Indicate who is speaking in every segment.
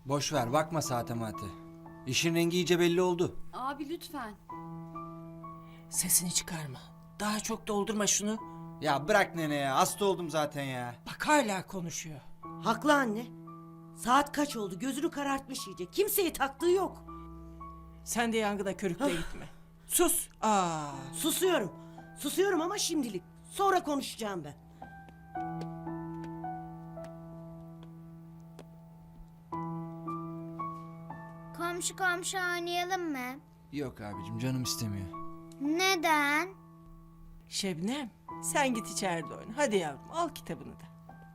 Speaker 1: Boş ver, bakma saate mate. İşin rengi iyice belli oldu.
Speaker 2: Abi lütfen.
Speaker 3: Sesini çıkarma. Daha çok doldurma şunu.
Speaker 1: Ya bırak nene ya, hasta oldum zaten ya.
Speaker 3: Bak hala konuşuyor.
Speaker 4: Haklı anne. Saat kaç oldu? Gözünü karartmış iyice. Kimseye taktığı yok.
Speaker 3: Sen de yangına körükle gitme. Sus. Aa.
Speaker 4: Susuyorum. Susuyorum ama şimdilik. Sonra konuşacağım ben.
Speaker 5: Komşu komşu oynayalım mı?
Speaker 1: Yok abicim, canım istemiyor.
Speaker 5: Neden?
Speaker 3: Şebnem, sen git içeride oyna. Hadi yavrum, al kitabını da.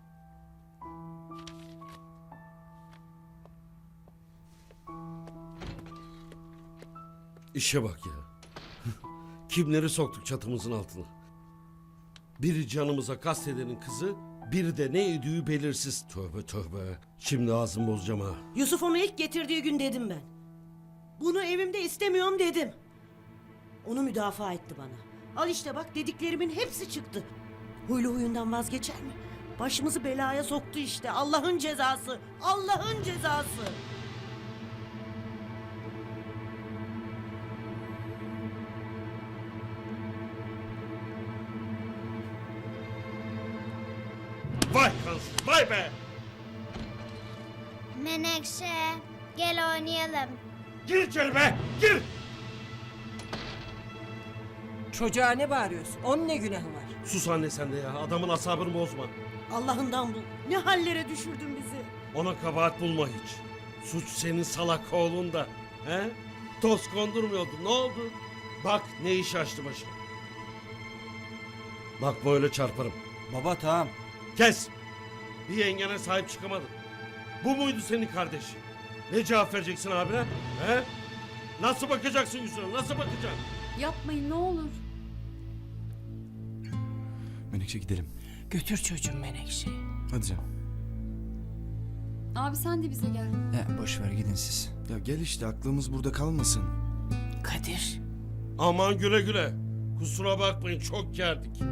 Speaker 6: İşe bak ya. Kimleri soktuk çatımızın altına. Biri canımıza kastedenin kızı, biri de ne ödüğü belirsiz. Tövbe tövbe. Şimdi ağzımı bozacağım ha.
Speaker 4: Yusuf onu ilk getirdiği gün dedim ben. Bunu evimde istemiyorum dedim. Onu müdafaa etti bana. Al işte bak, dediklerimin hepsi çıktı. Huylu huyundan vazgeçer mi? Başımızı belaya soktu işte. Allah'ın cezası. Allah'ın cezası.
Speaker 6: Vay kansız, vay be!
Speaker 5: Menekşe, gel oynayalım.
Speaker 6: Gir içeri be, gir!
Speaker 3: Çocuğa ne bağırıyorsun? Onun ne günahı var?
Speaker 6: Sus anne sen de ya, adamın asabını bozma.
Speaker 4: Allah'ından bul. Ne hallere düşürdün bizi.
Speaker 6: Ona kabahat bulma hiç. Suç senin salak oğlunda. He? Toz kondurmuyordu, ne oldu? Bak ne iş açtı başına. Bak böyle çarparım.
Speaker 1: Baba tamam.
Speaker 6: Kes! Bir yengene sahip çıkamadın. Bu muydu senin kardeşin? Ne cevap vereceksin abine? He? Nasıl bakacaksın yüzüne? Nasıl bakacaksın?
Speaker 2: Yapmayın ne olur.
Speaker 1: Menekşe gidelim.
Speaker 3: Götür çocuğum Menekşe'yi.
Speaker 1: Hadi canım.
Speaker 2: Abi sen de bize gel.
Speaker 1: Ya boş ver, gidin siz.
Speaker 7: Ya gel işte, aklımız burada kalmasın.
Speaker 3: Kadir.
Speaker 6: Aman güle güle. Kusura bakmayın çok gerdik.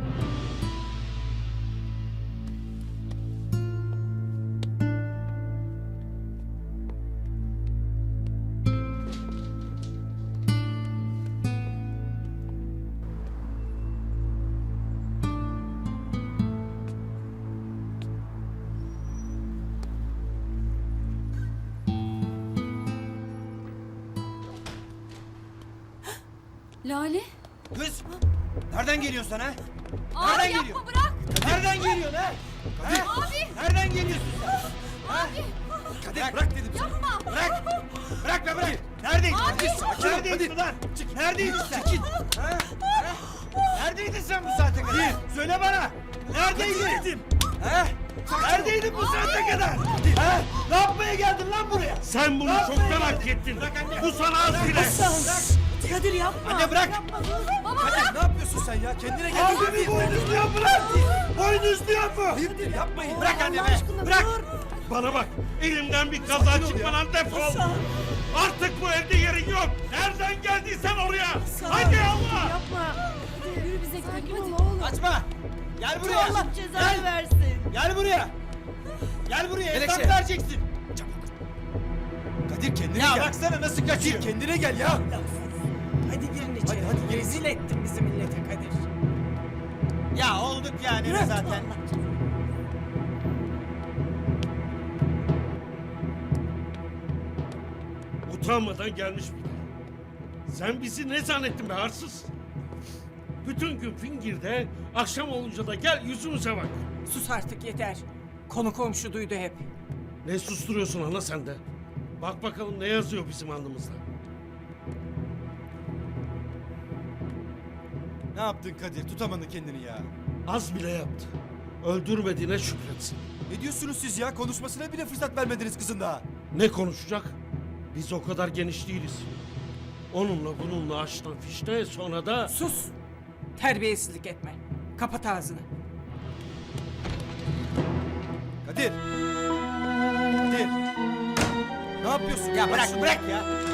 Speaker 2: Lale.
Speaker 1: Kız! Nereden geliyorsun sen ha?
Speaker 2: Abi
Speaker 1: Nereden
Speaker 2: yapma
Speaker 1: geliyor?
Speaker 2: bırak.
Speaker 1: Nereden geliyorsun ha?
Speaker 2: Abi.
Speaker 1: Nereden geliyorsun sen?
Speaker 2: Abi.
Speaker 1: Kadir bırak dedim sana.
Speaker 2: Yapma.
Speaker 1: Bırak! Bırak be bırak! Neredeydin?
Speaker 2: Abi.
Speaker 1: Neredeydin lan? Neredeydin sen? Ha? Ha? Neredeydin sen bu saate kadar? Söyle bana! Neredeydin? Ha? Neredeydin bu saate kadar? Ha? Ne yapmaya geldin lan buraya?
Speaker 6: Sen bunu
Speaker 1: Ne
Speaker 6: çoktan
Speaker 1: yapmaya
Speaker 6: hak
Speaker 1: geldin?
Speaker 6: ettin.
Speaker 1: Bırak anne.
Speaker 6: Bu sana az bile.
Speaker 4: Kadir yapma.
Speaker 1: Anne bırak!
Speaker 7: Kadir ne yapıyorsun sen ya? Kendine gel.
Speaker 1: Abimi boynuzluyor mu lan? Boynuzluyor mu?
Speaker 7: Hayırdır, yapmayın.
Speaker 1: Bırak annemi! Bırak!
Speaker 6: Bana bak, elimden bir kaza çıkmadan defol. Artık bu evde yerin yok. Nereden geldiysen oraya. Hadi Allah.
Speaker 4: Yapma.
Speaker 2: Yürü bize gidelim hadi.
Speaker 1: Açma! Gel buraya!
Speaker 4: Allah cezanı versin.
Speaker 1: Gel buraya! Gel buraya, hesap
Speaker 7: Menekşe.
Speaker 1: vereceksin!
Speaker 7: Kadir kendine
Speaker 1: Ya
Speaker 7: gel.
Speaker 1: baksana nasıl kaçıyor!
Speaker 7: Kadir kendine gel ya.
Speaker 3: Hadi girin içeri.
Speaker 7: hadi, gel.
Speaker 3: Rezil ettin bizi millete Kadir.
Speaker 1: Ya olduk yani zaten.
Speaker 6: Utanmadan gelmiş bir de. Sen bizi ne zannettin be arsız? Bütün gün fingirde, akşam olunca da gel yüzümüze bak.
Speaker 3: Sus artık yeter. Konu komşu duydu hep.
Speaker 6: Ne susturuyorsun ana sen de? Bak bakalım ne yazıyor bizim alnımızda.
Speaker 7: Ne yaptın Kadir? Tutamadın kendini ya.
Speaker 6: Az bile yaptı. Öldürmediğine şükretsin.
Speaker 7: Ne diyorsunuz siz ya? Konuşmasına bile fırsat vermediniz kızın daha.
Speaker 6: Ne konuşacak? Biz o kadar geniş değiliz. Onunla bununla açtan fişte sonra da...
Speaker 3: Sus. Terbiyesizlik etme. Kapat ağzını.
Speaker 7: Kadir. Kadir. Ne yapıyorsun?
Speaker 1: Ya bırak
Speaker 7: Şunu-
Speaker 1: bırak ya!